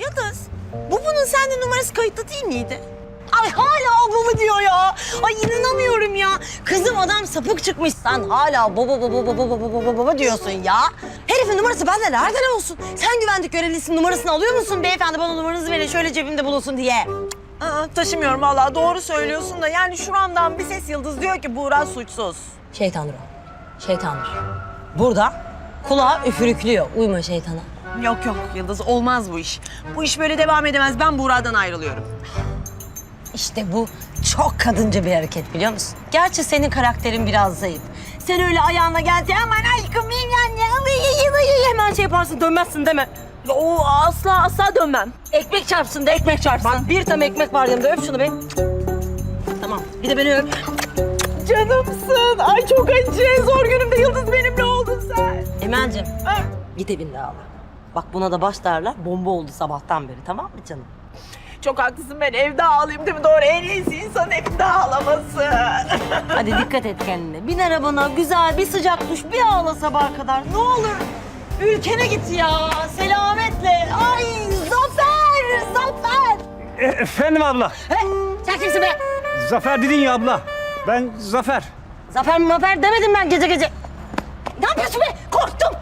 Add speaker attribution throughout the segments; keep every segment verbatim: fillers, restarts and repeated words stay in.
Speaker 1: Yıldız, bu bunun sende numarası kayıtlı değil miydi? Ay hala ablamı diyor ya. Ay inanamıyorum ya. Kızım adam sapık çıkmış. Sen hala baba baba baba baba baba baba diyorsun ya. Herifin numarası bende nereden olsun? Sen güvenlik görevlisinin numarasını alıyor musun? Beyefendi bana numaranızı verin şöyle cebimde bulunsun diye.
Speaker 2: Aa, taşımıyorum vallahi doğru söylüyorsun da yani şuramdan bir ses Yıldız diyor ki Buğra suçsuz.
Speaker 1: Şeytandır o. Şeytandır. Burada kulağa üfürüklüyor. Uyma şeytana.
Speaker 2: Yok yok Yıldız olmaz bu iş. Bu iş böyle devam edemez. Ben Buğra'dan ayrılıyorum.
Speaker 1: İşte bu çok kadınca bir hareket biliyor musun? Gerçi senin karakterin biraz zayıf. Sen öyle ayağına geldi aman aşkım yani hemen şey yaparsın dönmezsin deme.
Speaker 2: O asla asla dönmem.
Speaker 1: Ekmek çarpsın da ekmek çarpsın. Bak bir tam ekmek var yanımda öp şunu be. Tamam bir de beni öp.
Speaker 2: Canımsın. Ay çok acı. Zor günümde Yıldız benimle oldun sen.
Speaker 1: Emel'cim git evinde ağla. Bak buna da baş derler bomba oldu sabahtan beri tamam mı canım?
Speaker 2: Çok haklısın ben evde ağlayayım değil mi? Doğru en iyisi insanın evde ağlaması.
Speaker 1: Hadi dikkat et kendine. Bin arabana güzel bir sıcak duş bir ağla sabaha kadar ne olur. Ülkene git ya selametle. Ay Zafer Zafer.
Speaker 3: E, efendim abla.
Speaker 1: He, sen kimsin be?
Speaker 3: Zafer dedin ya abla. Ben Zafer.
Speaker 1: Zafer mi Mafer demedim ben gece gece. Ne yapıyorsun be? Korktum.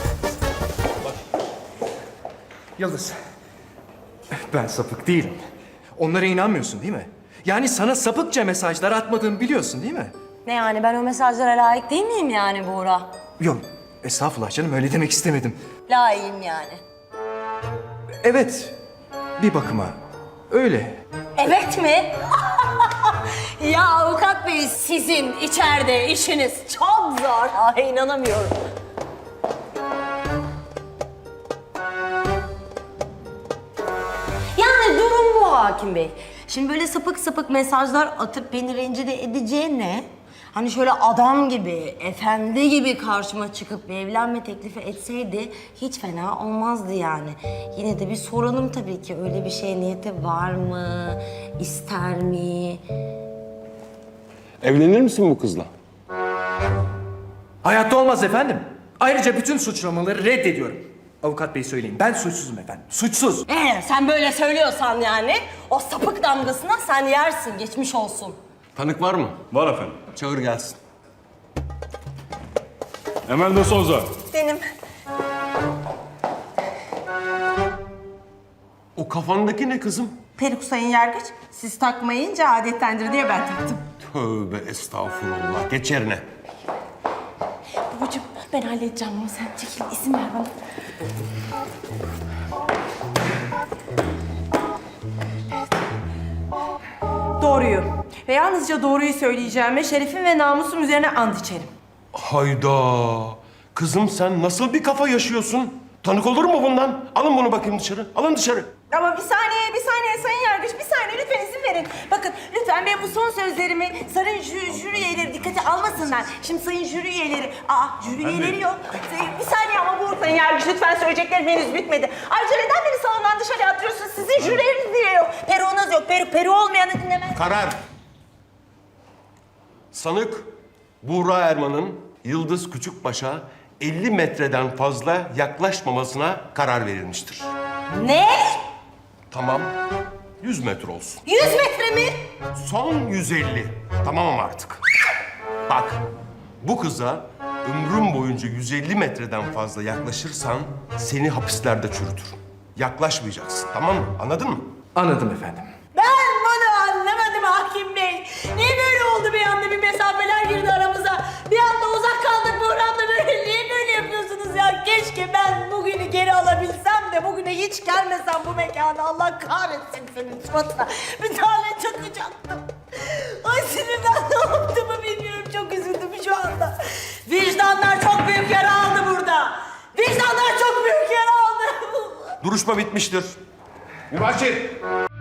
Speaker 4: Yıldız, ben sapık değilim. Onlara inanmıyorsun değil mi? Yani sana sapıkça mesajlar atmadığımı biliyorsun değil mi?
Speaker 1: Ne yani ben o mesajlara layık değil miyim yani Buğra?
Speaker 4: Yok, estağfurullah canım öyle demek istemedim.
Speaker 1: Layığım yani.
Speaker 4: Evet, bir bakıma öyle.
Speaker 1: Evet mi? Ya avukat bey sizin içeride işiniz çok zor. Ay inanamıyorum. Yani durum bu hakim bey. Şimdi böyle sapık sapık mesajlar atıp beni rencide edeceğine... Hani şöyle adam gibi, efendi gibi karşıma çıkıp bir evlenme teklifi etseydi hiç fena olmazdı yani. Yine de bir soralım tabii ki öyle bir şeye niyeti var mı, ister mi?
Speaker 5: Evlenir misin bu kızla?
Speaker 4: Hayatta olmaz efendim. Ayrıca bütün suçlamaları reddediyorum. Avukat bey söyleyin, ben suçsuzum efendim, suçsuz.
Speaker 1: Ee, sen böyle söylüyorsan yani o sapık damgasına sen yersin, geçmiş olsun.
Speaker 5: Tanık var mı?
Speaker 6: Var efendim.
Speaker 5: Çağır gelsin.
Speaker 6: Emel de Souza.
Speaker 2: Benim.
Speaker 5: O kafandaki ne kızım?
Speaker 2: Peruk sayın yargıç. Siz takmayınca adettendir diye ben taktım.
Speaker 5: Tövbe estağfurullah. Geç yerine.
Speaker 2: Babacığım ben halledeceğim ama sen çekil izin ver bana. Doğruyu ve yalnızca doğruyu söyleyeceğime şerefim ve namusum üzerine and içerim.
Speaker 5: Hayda. Kızım sen nasıl bir kafa yaşıyorsun? Tanık olur mu bundan? Alın bunu bakayım dışarı. Alın dışarı.
Speaker 2: Ama bir saniye, bir saniye sayın yargıç, bir saniye lütfen izin verin. Bakın lütfen ben bu son sözlerimi sayın jüri, jüri üyeleri dikkate almasınlar. Şimdi sayın jüri üyeleri, aa jüri üyeleri yok. Bir saniye ama bu sayın yargıç lütfen söyleyeceklerim henüz bitmedi. Ayrıca neden beni salondan dışarı atıyorsunuz? Sizin jürileriniz diye yok. Peruğunuz yok, peru, peru olmayanı dinlemez.
Speaker 5: Karar. Sanık Buğra Erman'ın Yıldız Küçükbaş'a elli metreden fazla yaklaşmamasına karar verilmiştir.
Speaker 1: Ne?
Speaker 5: Tamam. yüz metre olsun.
Speaker 1: Yüz metre mi?
Speaker 5: Son yüz elli. Tamam artık. Bak, bu kıza ömrüm boyunca yüz elli metreden fazla yaklaşırsan seni hapislerde çürütürüm. Yaklaşmayacaksın, tamam mı? Anladın mı?
Speaker 4: Anladım efendim.
Speaker 1: Ben bunu anlamadım hakim bey. Niye böyle oldu bir anda bir mesafeler girdi aramıza? Bir anda uzak kaldık Buğra'mla böyle. Niye böyle yapıyorsunuz ya? Keşke ben bugünü geri alabilsem de bugüne hiç gelmesem bu mekana. Allah kahretsin senin suratına. Bir tane çakacaktım. Ay sinirden ne yaptığımı bilmiyorum. Çok üzüldüm şu anda. Vicdanlar çok büyük yara aldı burada. Vicdanlar çok büyük yara aldı.
Speaker 5: Duruşma bitmiştir.
Speaker 6: Mübaşir.